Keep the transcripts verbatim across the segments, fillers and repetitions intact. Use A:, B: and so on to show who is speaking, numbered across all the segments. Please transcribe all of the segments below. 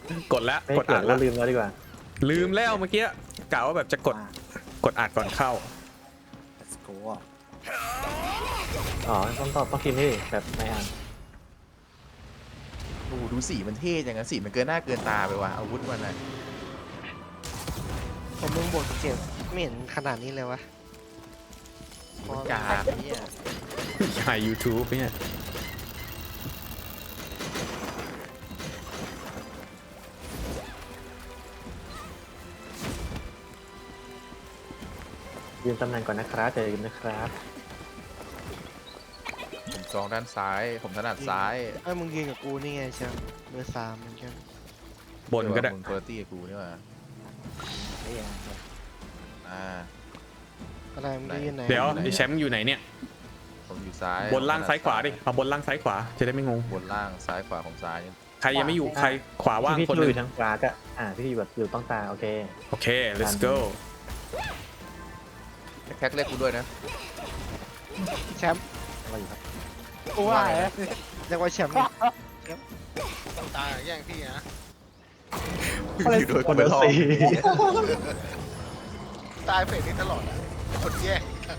A: กดแล้ว
B: ไม่
A: กด
B: เกิ
A: อั
B: ด
A: ด
B: แล้
A: แล้ว ว
B: ลืมแล้วดีกว่า
A: ลืมแล้วเมื่อกี้กะว่าแบบจะกดกดอัดก่อนเข้า
C: let's go
B: อ๋อต้องตอบต้องกินนี่แบบไม่อ่าน
D: โอ้โหดูสีมันเท่จังนะสีมันเกินหน้าเกินตาไปว่ะอาวุธมันอะ
E: ผมมึงบวกเจ็บไม่เห็นขนาดนี้เลยวะ
D: มันกากเนี่ย
A: ถ่าย ยูทูบ เนี่ย
B: ยืนตำแหน่งก่อนนะครับจะยืนนะครับ
D: ผมจองด้านซ้ายผมถนัดซ้าย
E: ไอ้ยมึงยืนกับกูนี่ไงแชมป์เบอร์สามเหมือนกัน
A: บนก็ได้
D: มึงคุณภาพกับกูนี่ว่ะ
C: ไม่ยัง
D: อ่า
E: อะไรมึงจะยืนไหน
A: เดี๋ยว
D: ไหน
A: ไอ้แชมป์อยู่ไหนเนี่ย
D: ผมอยู่ซ้าย
A: บนล่างซ้ายขวาดิเอาบนล่างซ้ายขวาจะได้ไม่งง
D: บนล่างซ้ายขวาของซ้ายนี่
A: ใครยังไม่อยู่ใครขวาว่าง
B: พี่
A: คน
B: พี่
A: ห
B: อ
A: นึ่ง
B: ยู่ทางขวาก็อ่าพี่อยู่แบบอยู่ต้องตาโอเค
A: โอเค let's go
D: แท็กเรียกกูด้วยนะ
E: แชมป์
B: มาอยู่ครับ
C: กูว่าไง
E: เรียกว่าแชมป์เนี่ย
F: ต้องตายแย่งพี่นะ
D: อยู่โดยคนเดียว
B: สี่
F: ตายเฟสนี้ตลอดอะคนแย่ง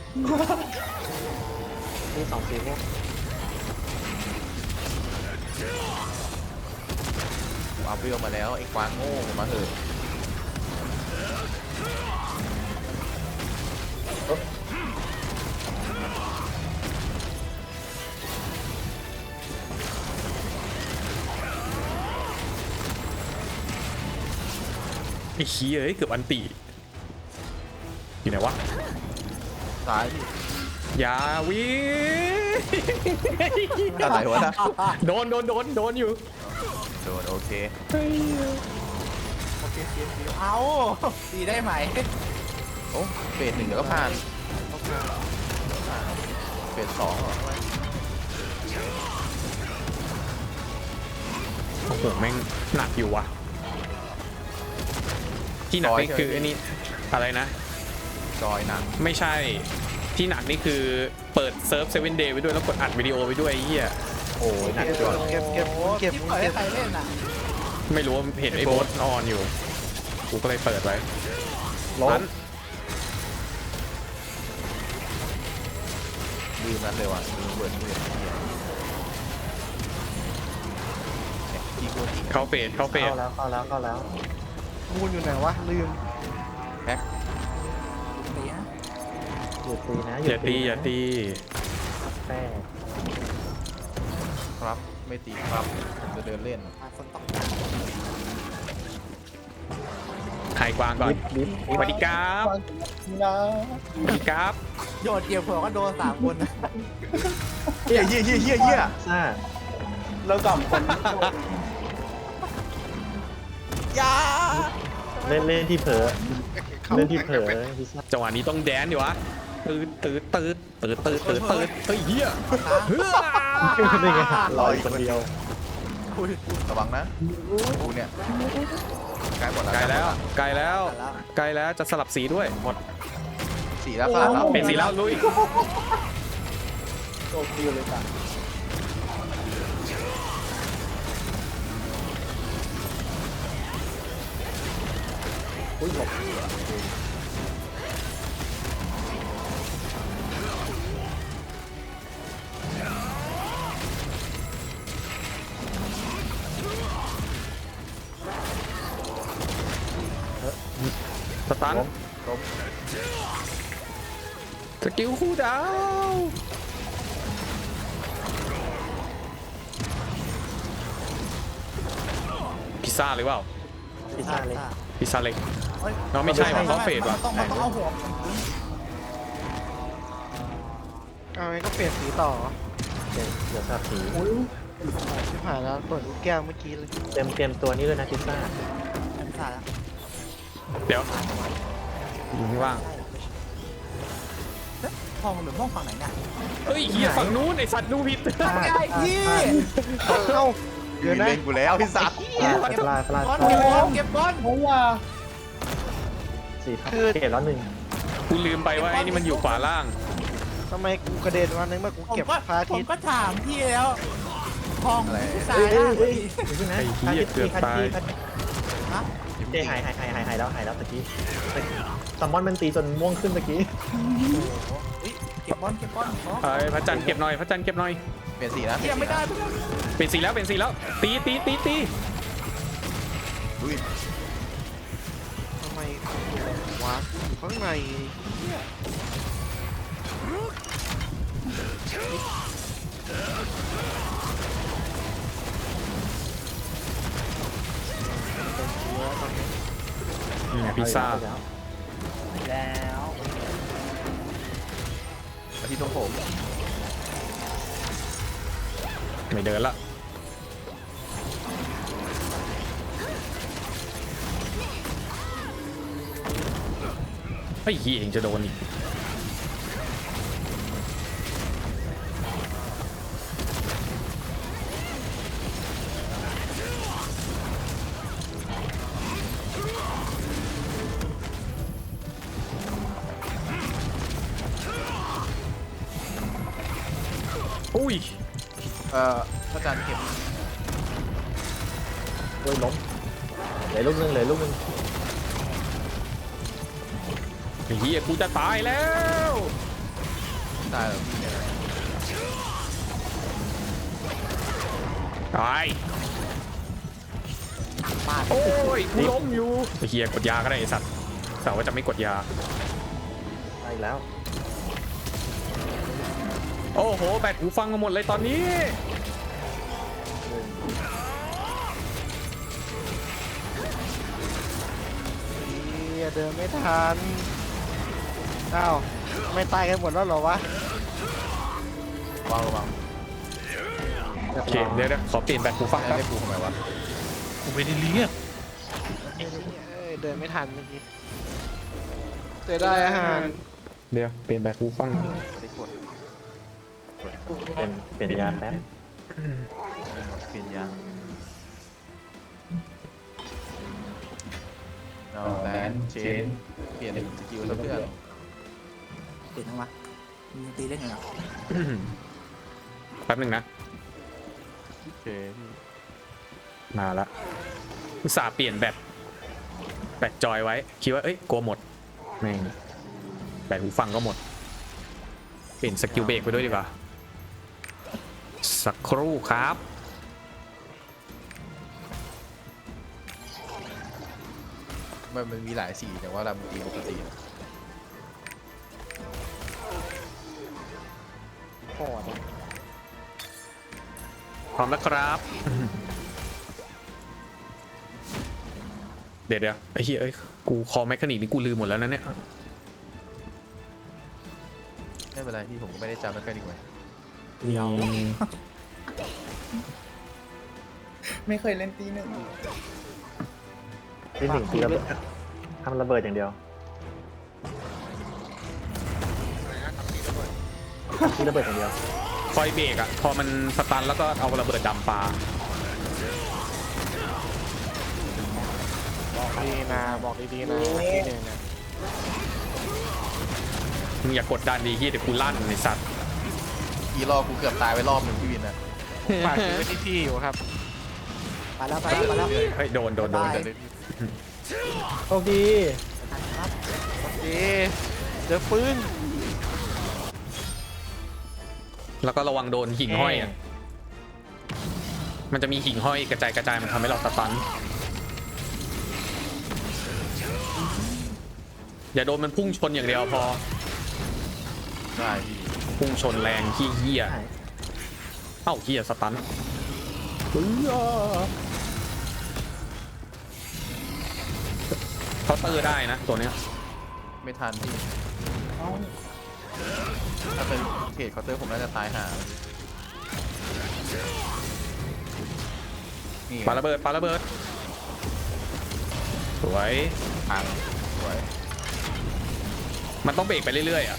B: นี่สองสีม่วง
D: กูอัพเวลมาแล้วไอ้ควางโง่มาเถอะ
A: ไอ้ขี้เอ้ยเกือบอันตีอยู่ไหนวะ
D: ซ้าย
A: อย่าวิ
D: อะไรวะนะ
A: โดนโดนโดนโดนอยู่
D: โดนโอเค
C: โอเคเสียเสียเอาตีได้ไหม
D: โอ้เฟสหนึ่งเดี๋ยวก็ผ่านเฟสสองเหรอ
A: โอ้โหแม่งหนักอยู่ว่ะที่หนักนี่คือไอ้นี่อะไรนะ
D: จอยหนัง
A: ไม่ใช่ที่หนักนี่คือเปิดเซิร์ฟเซเว่นเดย์ไว้ด้วยแล้วกดอัดวิดีโอไว้ด้วยไอ้เหี้ย
B: โอ้ยหนัก
E: เก็บ
B: จัง
E: เก็บเก็บเก็บ
C: ที่
E: มึง
C: เปิดให้
E: เก็บ
C: ใครเล่นอ่ะ
A: ไม่รู้ว่าเห็นไอ้โบสออนอยู่กูก็เลยเปิดไว้
B: ล้
A: นั้
B: ม
A: น
D: ลืมนั้นเลยว่ะลืมเบิร์ดมือเนี่ยที่กูที่
A: เข้าเฟสเข้าเฟส
B: เข้าแล้วเข้าแล้วเข้าแล้ว
E: มูลอยู่ไหนวะลืม
D: แพ็ค
C: ตีฮะ
B: หยุดตีนะ
A: อย่าตีอย่าตี
B: แป้
D: ครับไม่ตีครับผมจะเดินเล่น
C: คนต้อง
A: ไข่กวางก่อน
B: ลิฟต์ลิฟต์
A: สวัสดีครับสวัสดีครับ
C: โยนเกี่ยวเผื่อก็โดนสามคนนะ
D: เฮียเฮียเฮียเฮียเฮีย
B: ซ่า
C: แล้วกับคน
D: ยา
B: เล่นเล่นที่เผลอเล่นที่เผลอพิซซ่า
A: จังหวะนี้ต้องแดนดิวะตืดตืดตืดตืดตืดตืดตืดเฮ้ยเฮียเฮ้ย
B: นี่ไงลอยคนเดียว
D: ระวังนะกูเนี่ยใกล้หมดแล้ว
A: ไกลแล้วไกลแล้วไกลแล้วจะสลับสีด้วยหมด
D: สีแล้วครับ
A: เป็นสีแล้วลุย
C: โตคิวเลยจ้ะ
B: อุ้ยหลบ
A: สตันสกิลคู่ดาวพิซซ่าหรือเปล่า
B: พิซซ่าเล็ก
A: พิซซ่าเล็กน้องไม่ใช่ว่ะเขาเฟดว่ะ
C: ต้องมันต้องเอาหัว
E: เอาไงก็เปลี่ยนสีต่อ
B: เดี๋ยวเดี๋ยวสับสี
E: ที่ผ่านแล้วเปิดลูกแก้วเมื่อกี้เลย
B: เต็มเต็มตัวนี้เลยนะพิซซ่า
C: เป็นสายแล้ว
A: เดี๋ยวอยู่ข้างล่าง
C: ห้องหรือห้องฝั่งไหนเนี่ย
A: เฮ้ยเฮียฝั่งนู้นไอสัตว์ดูผิด
C: ไอ้พี่
E: เอ้าเดี๋ยวนะ
D: เล่นกูแล้วพี่สัตว์
B: ปลาปลาปลา
C: บอล
B: ปลา
C: เก็บบอลเก็บบอล
B: สี่พันเกตแล้วหนึ่ง
A: กูลืมไปว่าไอ้นี่มันอยู่ขวาล่าง
E: ทำไมกูกระเด็นวันนึงเมื่อกู
C: ผม
E: เก็บ
C: ก็
E: พระอา
C: ผ
E: ทิ
C: ม
E: ตย์
C: ก็ถามพี่แล้วห้อง
D: อะไร
C: ตา
B: เฮ้
C: ย
B: ย
C: แล้
B: เฮ้
C: วย
B: เฮ้ยเดี๋ยวก่อนนะ
A: ไอ้เหี้ยเกือบตาย
C: ฮะ
B: เจหายหายหายหายหายแล้วหายแล้วตะกี้ซัมมอนมันตีจนม่วงขึ้นตะกี้
C: เฮ้ยเก็บบอลเก็บบอลขอ
A: ไอ้พระจันทร์เก็บหน่อยพระจันทร์เก็บหน่อย
D: เปลี่ยนสีนะ
C: เฮียไม่ได้ไม่ได้
A: เป็นสีแล้วเป็นสีแล้ว ตีตีตีตี
D: อุ้ย
E: ทำไมวะอยู่ข้างในเนี่ยเป็นเชื้อตอนนี้
A: นี่ไงพิซซ่า
B: แล้ว
C: แล้ว
D: มาที่ตรงผม
A: ไม่เดินละไอ้เหี้ยเองจะโดนอีกอุ้ย
D: เอ่อพระจันทร์เข็ม
B: โอ้ยล้มเหลือลูกนึงเหลือลูกนึง
A: ไอ้เหี้ยกูจะตายแล้ว
D: ตายแล้วพี่เนี่ย
A: ตายโอ้ยกูล้มอยู่ไอ้เหี้ยกดยาก็ได้ไอ้สัตว์แต่ว่าจะไม่กดยา
B: ไปแล้ว
A: โอ้โหแบตหูฟังมาหมดเลยตอนนี้
E: เหี้ยเดินไม่ทันอ้าวไม่ตายกันหมดแล้วเหรอวะ
D: วางระวัง
A: โอเคเดี๋ยวเดี๋ยวขอเปลี่ยนแบตหูฟัง
D: ให้
A: แป๊บ
D: ได้กูทำไมวะ
G: กูไม่ได้เรียก
E: เอ้ยเดินไม่ทันเมื่อกี้เสียดายอาหาร
A: เดี๋ยวเปลี่ยนแบตหูฟัง
D: ได้กด
B: เป็นเปลี่ยนยาแป๊บ
D: เปลี่ยนยางเอาแลนเชนเปลี่ยนสกิลแล้วเพื่อน
C: เปลี่ยนทั้งวะมึงยังตีเล่นอยู่เหรอ
A: แป๊บหนึ่งนะ
D: โอเค
A: มาละอุตส่าห์เปลี่ยนแบตแบตจอยไว้คิดว่าเอ้ยกลัวหมดแม่งแบตหูฟังก็หมดเปลี่ยนสกิลเบรกไปด้วยดีกว่าสักครู่ครับ
D: มันมันมีหลายสีแต่ว่าเราตีปกติ
E: ปอดอะ
A: พร้อมแล้วครับ เดี๋ยวเดี๋ยวไอ้เหี้ยเอ้ยกูคอแมคคานิกนี่กูลืมหมดแล้วนะเนี่ย
D: ไม่เป็นไรพี่ผมก็ไม่ได้จำไม่ค่อยดีกว่า
B: เดียว
C: ไม่เคยเล่นตีหนึ่ง
B: ที่หนึ่งทีระเบิดทำระเบิดอย่างเดียว
F: อะไรนะทำตีระเบิด
B: ที่ระเบิดอย่างเดียว
A: คอยเบรกอะพอมันสตันแล้วก็เอาระเบิดดำปลา
E: บอกดีนะบอกดีๆนะทีหนึ่งนะ
A: มึงอย่ากดดันดีที่เดี๋ยวกูลั่นไอ้สัตว์
D: อีรอบกูเกือบตายไปรอบหนึ่งพี่วินนะ
E: ฝากชีวิตที่พี่อยู่ครับ
C: ไปแล้วไปแล้วไปแล้ว
A: เฮ้ยโดนโดนโดน
C: ตาย
D: เลยพี่
B: โชคดี
C: ครับ
E: โอเคเจอปืน
A: แล้วก็ระวังโดนหิ่งห้อยอะมันจะมีหิ่งห้อยกระจายกระจายมันทำให้เราสตันอย่าโดนมันพุ่งชนอย่างเดียวพอ
D: ได้พี่
A: พุ่งชนแรงขี้เหี้ยเอ้าเหี้ยสตันเคาน์เตอร์ได้นะตัวเนี้ย
D: ไม่ทันพี่
C: เอา
D: ถ้าเป็นเขตเคาน์เตอร์ผมน่าจะตายห่านี่
A: ปาระเบิดปาระเบิดสวย
D: พังสวย
A: มันต้องเบรกไปเรื่อยๆอ่ะ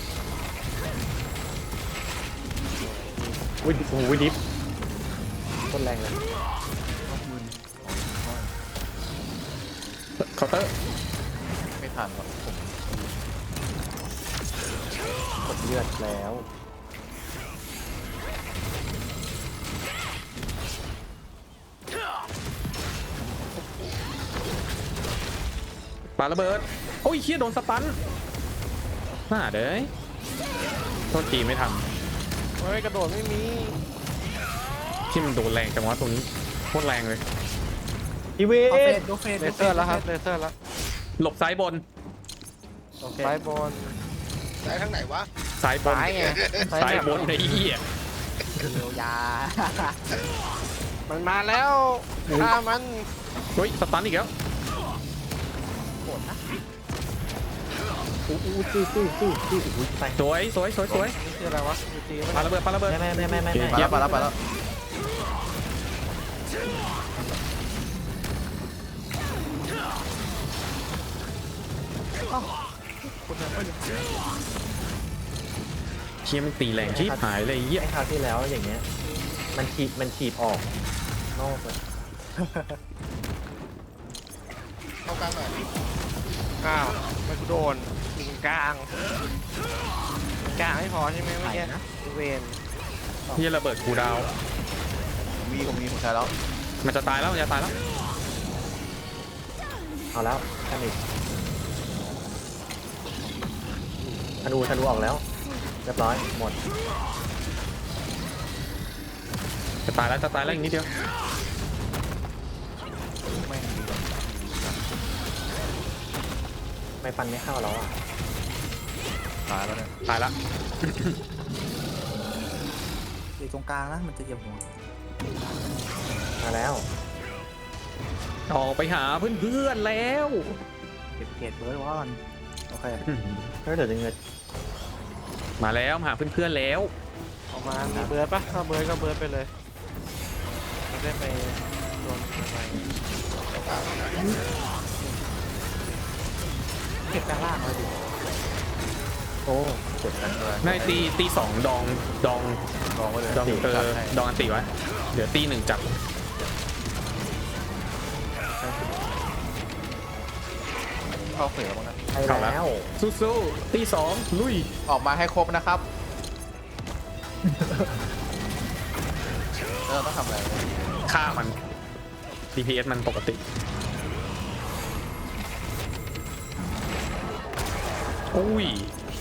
B: อุ้ยโอ้โหดิฟต้นแรงเลย
A: เคาน์เตอร์
D: ไม่ทันหรอกผม
B: กดเลือดแล้ว
A: ปาระเบิดโอ้ยเฮียโดนสตันน่าเด้ยโทษทีไม่ทัน
E: เฮ้ยกระโดดไม่มี
A: ที่มันโดนแรงจังวะตรงนี้โคตรแรงเลย
B: อีเว
C: โดเฟ
B: น
C: สโดเฟส
E: เลเซอร์แล้วครับเลเซอร์แล้ว
A: หลบซ้ายบน
B: โอเค
E: ซ้ายบน
F: สายทางไหนวะ
A: ซ้ายบน
E: ซ้ายไง
A: ซ้ายบนไอ้เหี้ย
C: เยียวยา
E: มันมาแล้วฆ่ามัน
A: เฮ้ยสตันอีกแล้ว
C: โหดนะ
B: อู้อู้สู้สู้สู้สู้อุ้ยไป
A: สวยสวยสวยสวย
E: นี่คืออะไรวะยูจี
A: ปาระเบิดปาระเบิด
B: ไม่ไม่ไม่ไม่ไม่
A: โอเค
B: ไม่
D: ไปแล้วไปแล้วไปแล้ว
A: เชี่ยมันตีแรงชิบหายเลยไอ้เหี้ย
B: ไอ้คราวที่แล้วอย่างเงี้ยมันถีบมันถีบออกนอกเลย
F: เข้ากลางหน่อย
E: อ้าวไม่กูโดนยิงกลางกลางไม่พอใช่ไหมเมื่อกี้เวน
A: เหี้ยระเบิดกูดาว
D: ผมมีผมมีผมใช้แล้ว
A: มันจะตายแล้วมันจะตายแล้ว
B: เอาแล้วท่านอีกธนูธนูออกแล้วเรียบร้อยหมด
A: จะตายแล้วจะตายแล้วอีกนิดเดียว
D: ไม่มี
B: ไม่ฟันไม่เข้าแล้วอ่ะ
D: ตายแล้วเนี่ย
A: ตายละ
C: อยู่ตรงกลางนะมันจะเหยียบหัว
B: มาแล้ว
A: ออกไปหาเพื่อนๆแล้ว
C: เก็บเกรดเบิร์ดว่ามันโอเค
B: ถ้าเดี๋ยวจะเงิน
A: มาแล้วมาหาเพื่อนๆแล้ว
E: ออกมามีเบิร์ดปะถ้าเบิร์ดก็เบิร์ดไปเลยไม่ได้ไปโดนอะไร
C: เก็บกลางล่างเลยดิ
B: โอ้เจ็บกัน
A: ในตีตีสองดองดอง
D: ลองไว้เลย
A: ดองเอ
D: จัด
A: อ
D: ให้
A: ดองอันติไว้เดี๋ยวตีหนึ่งจับ
D: เข้าเฟสแล้วมั้งนะ
B: ไปแล้ว
A: สู้ๆตีสองลุย
D: ออกมาให้ครบนะครับเออต้องทำอะไร
A: ฆ่ามัน ดี พี เอส มันปกติโอ้ย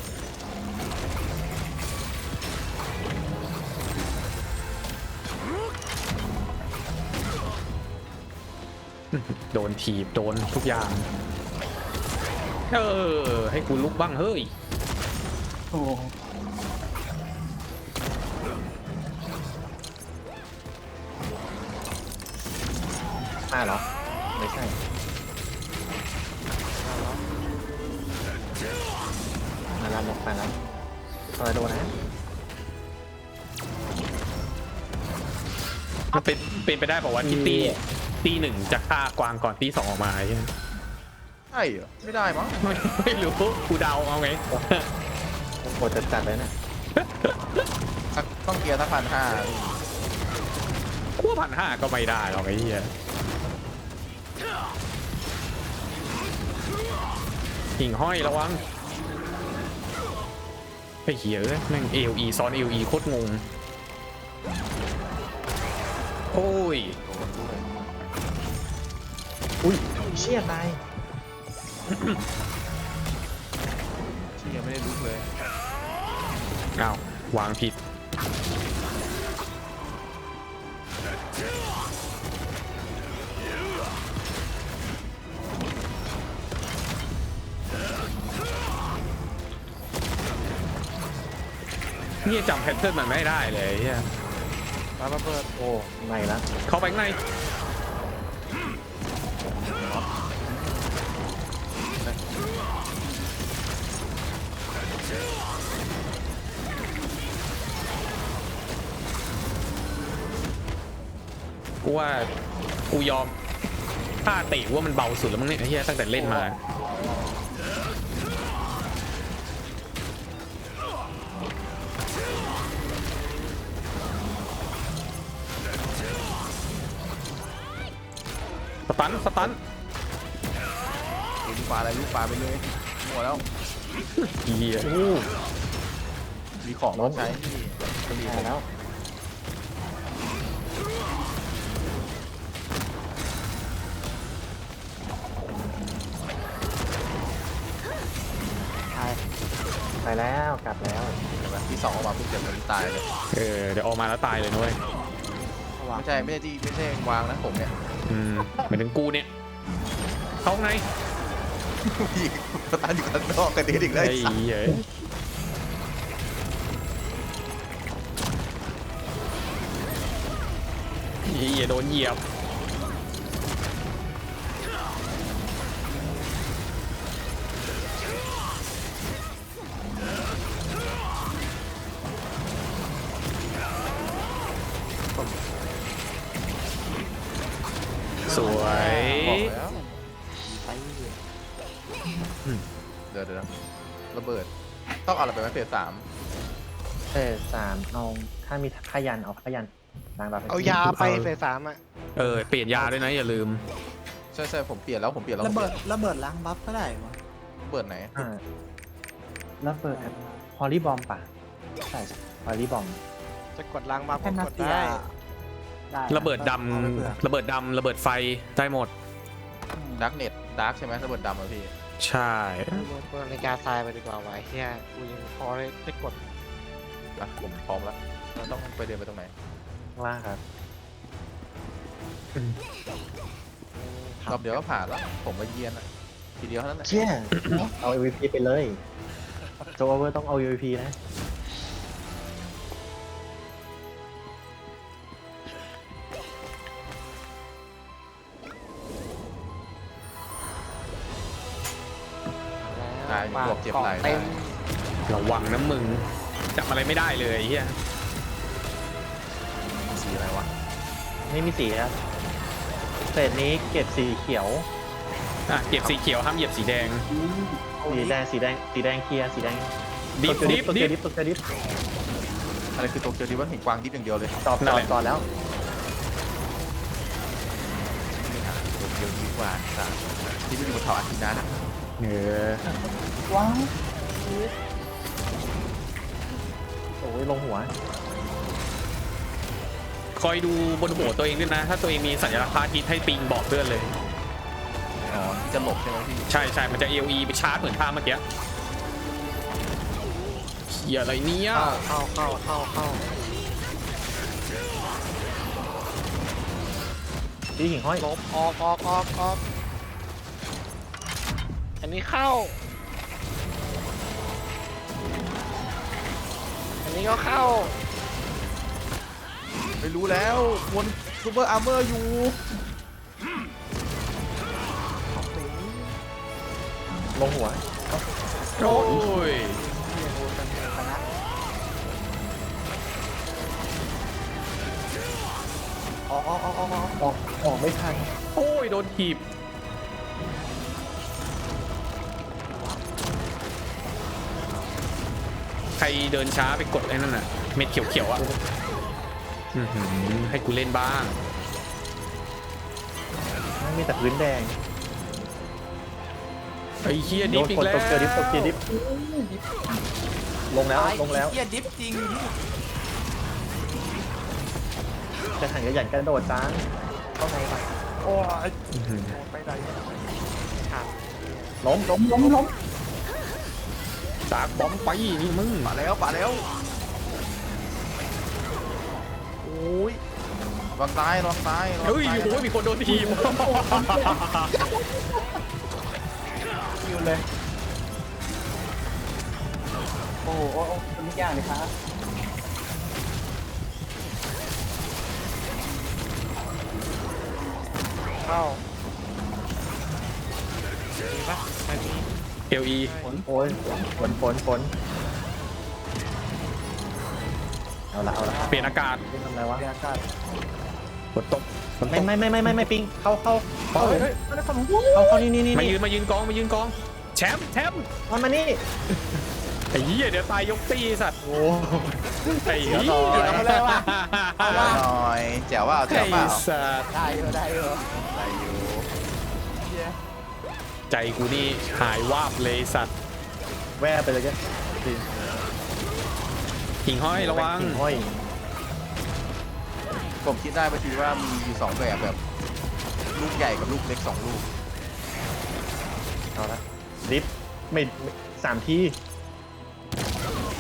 A: โดนถีบโดนทุกอย่างเออให้กูลุกบ้างเฮ้ย
C: โอ้
B: มาเหรอไม่ใช่มาแล้วมาแล้วอะไรโดนนะ
A: มันเป็นเป็นไปได้บอกว่าวะที่ตีตีหนึ่งจะฆ่ากวางก่อนตีสองออกมาใช่ไหม
D: ใช่เหรอไม่ได้มั้ง
A: ไม่ไม่รู้กูเดาเอาไง
B: โหดจัดๆเลยนะ
D: ต้องเกียร์สักพันห้า
A: กูพันห้าก็ไม่ได้หรอกไอ้เหี้ยหิ่งห้อยระวังไอ้เหี้ยเอ้ยแม่งเอลีซ้อนเอลีโคตรงงโอ้ย
B: อุ้ยเชี่ยตาย
D: เชี่ยไม่ได้ลุกเลย
A: อ้าววางผิดนี่จำแพทเทิร์นมันไม่ได้เลยเฮีย
E: ปาระเบิด
B: โอ้ไม่ละ
A: เข้าไปข้างในกูว่ากูยอมท่าติว่ามันเบาสุดแล้วมั้งเนี่ยไอ้เฮียตั้งแต่เล่นมาสตันสตัน
D: ลูกปลาอะไรลูกปลาไปเลยหมดแล้ว
A: เฮีย
D: มีของต้องใช้
B: ตายแล้ว
A: ม
B: แล้วกลับแล้ว
D: ใช่ไหมที่สองออกมาปุ๊บเดี๋ยวมันตายเลย
A: เออเดี๋ยวออกมาแล้วตายเลยนุ้ย
C: ระวัง
D: ไม่ใช่ไม่ใช่ที่ไม่ใช่วางนะผมเนี่ย
A: อืมเหมือนถึงกูเนี่ยเข้าข้างใน
D: พี่สตาร์ทอยู่ข้างนอกกันดีอีกแล้ว
A: ไอ้
D: ไอ้สัส
A: เหี้ยเหี้ยโดนเหยียบสวย
D: บอกแล้ว
C: ไป
D: เดี๋ยวเดี๋ยวระเบิดต้องเอาอะไรไปไหมเฟสสาม
B: เฟสสามเอาถ้ามีขยันเอาขยันล้างแบบ
E: เอายาไปเฟสสามอ่ะ
A: เออเปลี่ยนยาด้วยนะอย่าลืม
D: ใช่ใช่ผมเปลี่ยนแล้วผมเปลี่ยนแล้ว
C: ระเบิดระเบิดล้างบัฟก็ได้วะ
D: ระเบิดไหน
B: อ่าแล้วเปิดฮอลลี่บอมป่ะใช่ฮอลลี่บอม
E: จะกดล้างบัฟ
C: แค่
E: ก็
C: นั
E: ก
C: ด
E: ด
C: เดีย
E: ได้
C: ได้
A: ระเบิดด
C: อาไปเผื่อ
A: ำระเบิดดำระเบิดไฟได้หมด
D: ดาร์กเน็ตดาร์กใช่ไหมระเบิดดำอ่ะพี่
A: ใช่
E: เปิดนาฬิกาทรายไปดีกว่าไวะไอ้เฮียกูยังพอได้ได้กด
D: อ่ะผมพร้อมแล้วเราต้องไปเดินไปตรงไหน
B: ข้างล่างครับ
D: รอบเดียวก็ผ่านแล้วผมมาเยียนอ่ะทีเดียวเท่านั้นแหละ
B: เชี่ยเอา เอ็ม วี พี ไปเลยโจโอเวอร์ต้องเอา เอ็ม วี พี นะ
D: ตายบวกเจ็บไหล่
E: เต็
D: ได้
E: ม
A: ระวังนะมึงจับอะไรไม่ได้เลยไอ้เฮีย
D: สีอะไรวะ
B: ไม่มีสีครับเฟสนี้เก็บสีเขียว
A: อ่ะเก็บสีเขียวห้ามเหยียบสีแดง
B: สีแดงสีแดงสีแดงเคลียร์สีแดง
A: ดิฟ
B: ตัว
A: ดิฟ
B: ตัว
A: ดิ
B: เกีย
A: ฟ
B: ร์ดิฟตัวเกียร์ดิฟ
D: อะไรคือตัวเกียวดิว่าเห็นกวางดิฟอย่างเดียวเลย
B: ตอบ
A: นั่
B: ต
A: น
B: อ
A: แห
B: บ
A: ละ
B: ตอบแล้ว
D: ตัวเกียวดิฟกว่าสามที่ไม่อยู่บนเขาอาทิตย์นั้นอะ
A: เออ
B: ว้าวโอ้ยลงหัว
A: คอยดูบนหัวตัวเองด้วยนะ ถ้าตัวเองมีสัญลักษณ์พระอาทิตย์ให้ปิงบอกเพื่อนเลย
D: อ๋อจะหลบใช่ไหมพี่
A: ใช่ใช่มันจะ เอ โอ อี ไปชาร์จเหมือนท่าเมื่อกี้เหี้ยอะไรเนี่ย
E: เข้าเข้าเข้าเข้า
B: ดีหิ่งห้อย
E: ลบออกออกออกออกอันนี้เข้า อันนี้ก็เข้า
D: ไม่รู้แล้ววนซูเปอร์อาร์เมอร์อยู่
B: ลงหัว
A: โอ้ย
B: ออกออกออกออกออกออกออกไม่ทัน
A: โอ้ยโดนถีบใครเดินช้าไปกดไอ้นั่นน่ะเม็ดเขียวๆอ่ะอื้อหือให้กูเล่นบ้าง
B: ไม่มีแต่พื้นแดง
A: ไอ้เฮีย
B: โด
A: ดิฟ
B: น
A: อี
B: ก
A: ก
B: ด
A: แล้
B: ตกเกียร์ดิฟตกเกียร์ดิฟ
A: ว
B: ลงแล้วลงแล้ว
C: เฮียดิฟจริง
B: จะถังกระหยันกระโดดจ้างเข้าในไป
C: โอ้ย
A: อื้อหือ
C: ไปไหน
B: ล้มล้มล้มล้ม
A: จากบอมไปนี่มึง
D: ป่าแล้วป่าแล้วโอ้ยลองตายลองตายลอง
A: เฮ้ย
D: ตาย
A: โอ้ยมีคนโดนทีม
B: คิวเลยโอ้โหโอ้โหทุกอย่างเลยครับ
E: เข้ามีปะไม่มี
A: เอลี
B: ฝนโอ้ยฝนฝนฝนเอาละเอาละ
A: เปลี่ยนอากาศ
B: ไม่ทำอะไรวะ
C: อากาศ
A: ฝนตกฝนต
B: ไม่
A: ก
B: ไม่ไม่ไม่ไม่ไม่ปิงเข้าเข้าเข้า
A: เฮ้ยเฮ้ย
B: เข้าเข้านี่นี่นี่
A: มายืนมายืนกองมายืนกองแชมป์แชมป์
B: มันมานี่
A: ไอ้เหี้ยเดี๋ยวตายยกตีสัตว์
B: โอ้
A: ไอ้เหี้ย
B: เอาเลยว่ะ
D: เอาหน่อยแจ๋วว่าแจ๋
A: ไอ้
D: วเปล่า
A: สัตว์
C: ได้เหรอได้เหรอ
D: อะไรอยู่
A: ใจกูนี่หายวาบเลยสัตว์
B: แว่ไปเลยแก
A: หิ่งห้อยระวัง
B: หิ่งห้อย
D: ผมคิดได้พอดีว่ามีอยู่สองแบบแบบลูกใหญ่กับลูกเล็กสองลูก
B: เอาละดิฟไม่ไม่สามที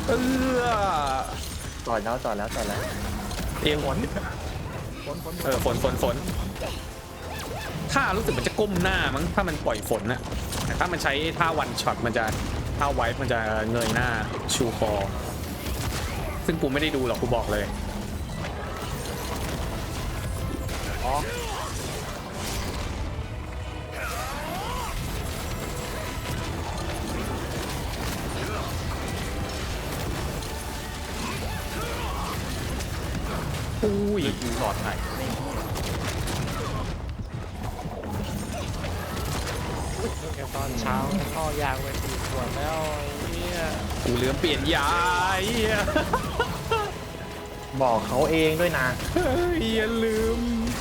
A: เออ
B: จอดแล้วจอดแล้วจอดแล้ว
A: เอวฝนเออฝนฝนฝนถ้ารู้สึกมันจะก้มหน้ามั้งถ้ามันปล่อยฝนน่ะแต่ถ้ามันใช้ท่าวันช็อตมันจะท่าไวท์มันจะเงยหน้าชูคอซึ่งกูไม่ได้ดูหรอกกูบอกเลยอุ้ย
D: ดูหลอดไหน
E: แค่ตอนเช้าพ่อยางไปตีสวนแล้วไอ้เนี่ย
A: กูลืมเปลี่ยนยาไอ้เหี้ย
B: บอกเขาเองด้วยนะ
A: เฮ้ยอย่าลืม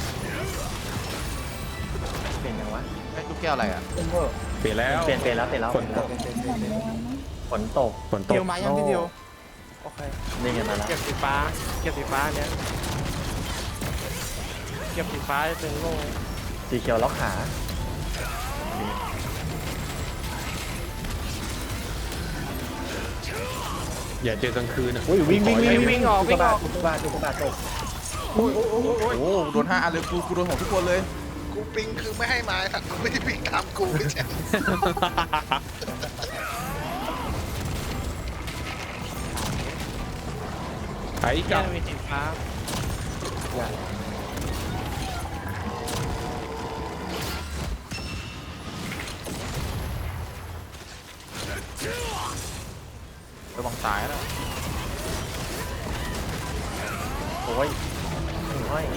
B: เป็นยังวะ
D: ไอ้ลูกแก้วอะไรอ่ะ
A: เปลี่ยนแล้ว
B: เปลี่ยนเปลี่ยนแล้วเปลี่ยนแล้ว
A: ฝนตก
B: ฝนตก
A: ฝนตก
C: เดียวมายังพี่เดียว
E: โอเค
B: นี่ไงมาแล้ว
E: เก็บสีฟ้าเก็บสีฟ้าเนี้ยเก็บสีฟ้าจะเป็นโล่
B: สีเขียวล็อกขา
A: อย่าเจอกลางคืนอ่ะ
B: อุ้ยวิ่งวิ่งวิ่ง
E: วิ่งออกวิ่งออก
B: อุกกาบาตอุกกาบาตตก
D: โอ้โหโดนห้าอันเลยกูกูโดนของทุกคนเลย
F: กูปิงคือไม่ให้มาสัตว์กูไม่ได้ปิงตามกูไม่ใช่
A: ไอ้
E: แค่
A: กับ
E: มีสีฟ้า
D: ระวังตายนะ
B: โอ้ยห้อย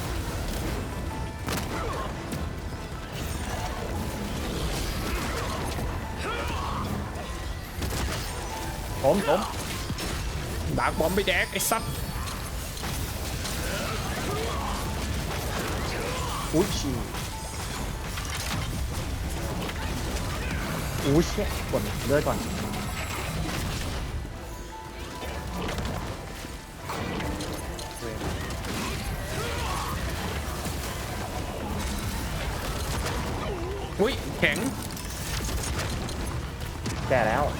B: ผมผม
A: ดาร์กบอมไปแดกไอ้ซับ
B: อุ้ยชิวอุ้ยเชี่ยกดเลือดก่อน
A: อุ้ยแข็ง
B: แก่แล้ว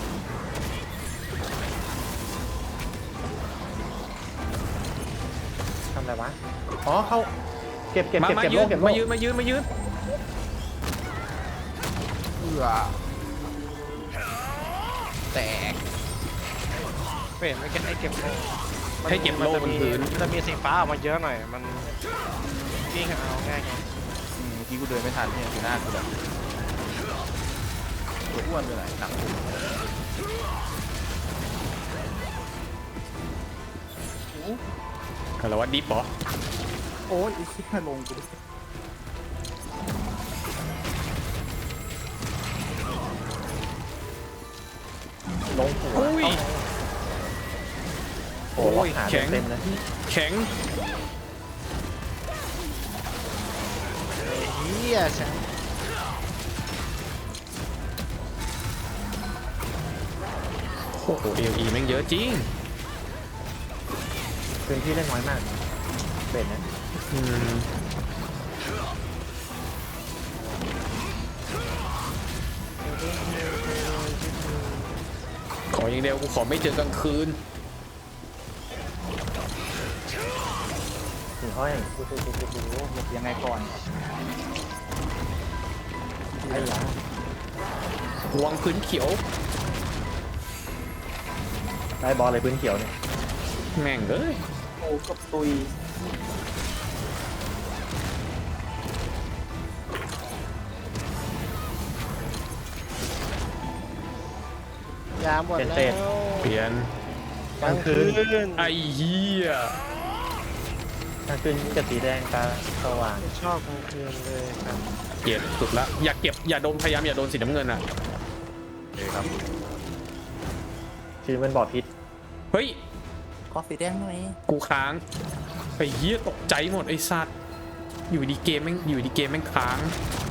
B: ทำอะไรวะอ๋อเขาเก็บเก็บ
A: มา
B: เก็บ
A: มา
B: เก็บ
A: ยื
B: โล
A: น
B: กเก็บโล
A: มาก ยืนมายืนมายืน
D: เอือแตก
E: เปลี่ยนไม่แค่ให้เก็บโล่
A: ให้เก็บโล่บนพื้น
E: จะมีสีฟ้าออกมาเยอะหน่อยมันวิ่งเอาง่ายไง
D: อืมเมื่อกี้กูเดินไม่ทันเนี่ยคือหน้ากูแบบตัวอ้วนไปไหนหนักกู
A: อะไรวะดิฟเหรอ
C: โอ้ยอีกที่ลงกูดิ
B: ลงหัว
A: อุ้ย
B: โอ้โหล็อกขา
A: แข็ง
B: เต็มๆเลย
A: แข็ง
E: เฮียฉัน
A: โอ้โหเอลีแม่งเยอะจริง
B: พื้นที่เล่นน้อยมากเบ็ดนะ
A: อืมขออย่างเดียวกูขอไม่เจอกลางคืน
B: ถึงห้อย
C: หลบยังไงก่อน
B: ไอ้ยา
A: ห่วงพื้นเขียว
B: ได้บอลเลยพื้นเขียวเนี่ย
A: แม่งเอ้ย
C: โอ้กับตุย
E: ยาหมดแล้ว
A: เปลี่ยน
B: กลางคืน
A: ไอ้เหี้ย
B: กลางคืนจะสีแดงตาสว่าง
E: ไม่ชอบกลางคืนเลยครับ
A: เก็บสุดละอย่าเก็บอย่าโดนพยายามอย่าโดนสีน้ำเงินอ่ะ
D: โอเคครับ
B: คือมันบอดพิษ
A: เฮ้ย
C: ขอสีแดงหน่อย
A: กูค้างไอ้เหี้ยตกใจหมดไอ้สัตว์อยู่ดีเกมแม่งอยู่ดีเกมแม่งค้าง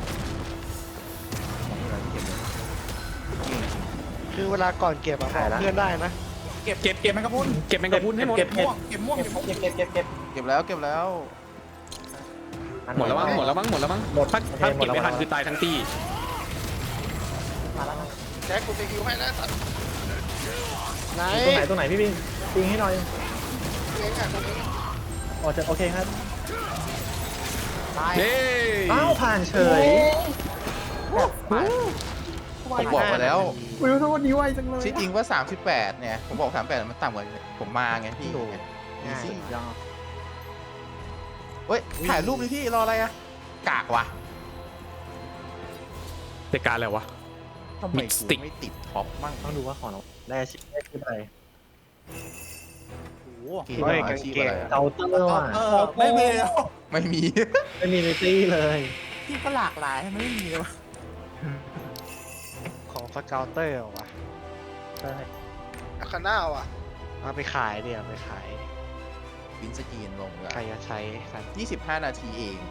E: คือเวลาก่อนเก็บอะบอกเพื่อนได้นะ
C: เก็บเก็บเก็บแมงกะพรุน
A: เก็บแมงกะพรุนให้หมด
B: เก็บ
C: ม่วงเก็บม่วงเก็บม่วง
B: เก็บเก็บเก็บเก็บ
D: เก็บแล้วเก็บแล้ว
B: อัน
A: หมดแล้วมั้งหมดแล้วมั้งหมดแล้วมั้ง
B: หมด
A: ถ้าถ้า
B: หม
A: เก็
B: ด
A: บ
B: แล้ว
A: ไม่ทัน
B: หมดแล้ว
A: คือตายทั้งตี
B: มาแล้วนะ
F: แจ็คกูจะฮิวให้แล้วสัตว์
E: ไหน
B: ตรงไหนตรงไหนพี่ปิงปิงให้หน่อย
F: เองอ่ะตรงนี้
B: อ๋อจะโอเคครับ
C: ตาย
A: เย้
B: อ้าวผ่านเฉย
C: ไป
D: ผมบอกมาแล้ว
B: วิวโทษดีไวจังเลย
D: ที่จริงว่าสามสิบแปดเนี่ยผมบอกสามสิบแปดมันต่ำกว่าผมมาไงพี่
B: ถูก
D: อีซี่
B: ยอด
D: เฮ้ยถ่ายรูปดิพี่รออะไรอะกากวะ
A: แต่การอะไรวะ
D: ทำไม
A: Mid
D: กู
A: stick
D: ไม่ติดท็อปมั่ง
B: ต้องดูว่าของเราได้อาชีพได้อาชีพอะไร
C: โอ้โห
D: เกมอาชีพอะไรอะ
B: เตาเตอร์ว่ะ
C: เออไม่มีแล้ว
D: ไม่มี
B: ไม่มีในตี้เลย
C: ที่ก็หลากหลายทำไมไม่มีเลยวะ
E: ของสเกลเตอร์ว่ะ
B: ใช่
F: อาคาน่าว่ะ
E: เอาไปขายเดี๋ยวไปขาย
D: วินสกรีนลง
E: ใครจะใช้สัตว์
D: ยี่สิบห้านาทีเอง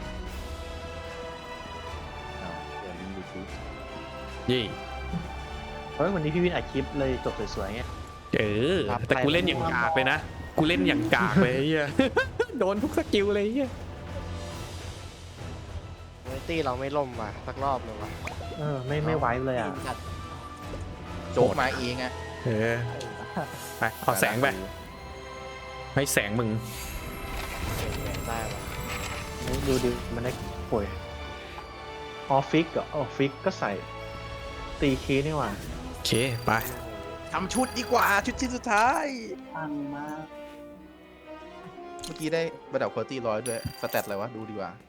D: อ้าวเดี๋ยวลิงก์ยูทูบ
A: เย่
B: เฮ้ยวันนี้พี่วินอัดคลิปเลยจบสวยๆไง
A: เออแต่กูเล่นอย่างกากเลยนะกูเล่นอย่างกากเลยไอ้เฮีย โดนทุกสกิลเลยไอ้เฮีย
E: เวตี้เราไม่ล่มว่ะสักรอบเลยว่ะ
B: เออไม่ไม่ไว้เลยอ่ะ
C: จัด
D: โจ๊กมาเองอะ
A: เออไปเอาแสงไปให้แสงมึง
E: เก่งแรงได้ว่ะ
B: ดูดิมันได้ป่วยออฟฟิกเหรอออฟฟิกก็ใส่ตีคีย์นี่หว่า
A: โอเคไป
D: ทำชุดดีกว่าชุดชิ้นสุดท้าย
C: ปังมาก
D: เมื่อกี้ได้ระดับคุณภาพร้อยด้วยสแตทอะไรวะ ดูดีกว่า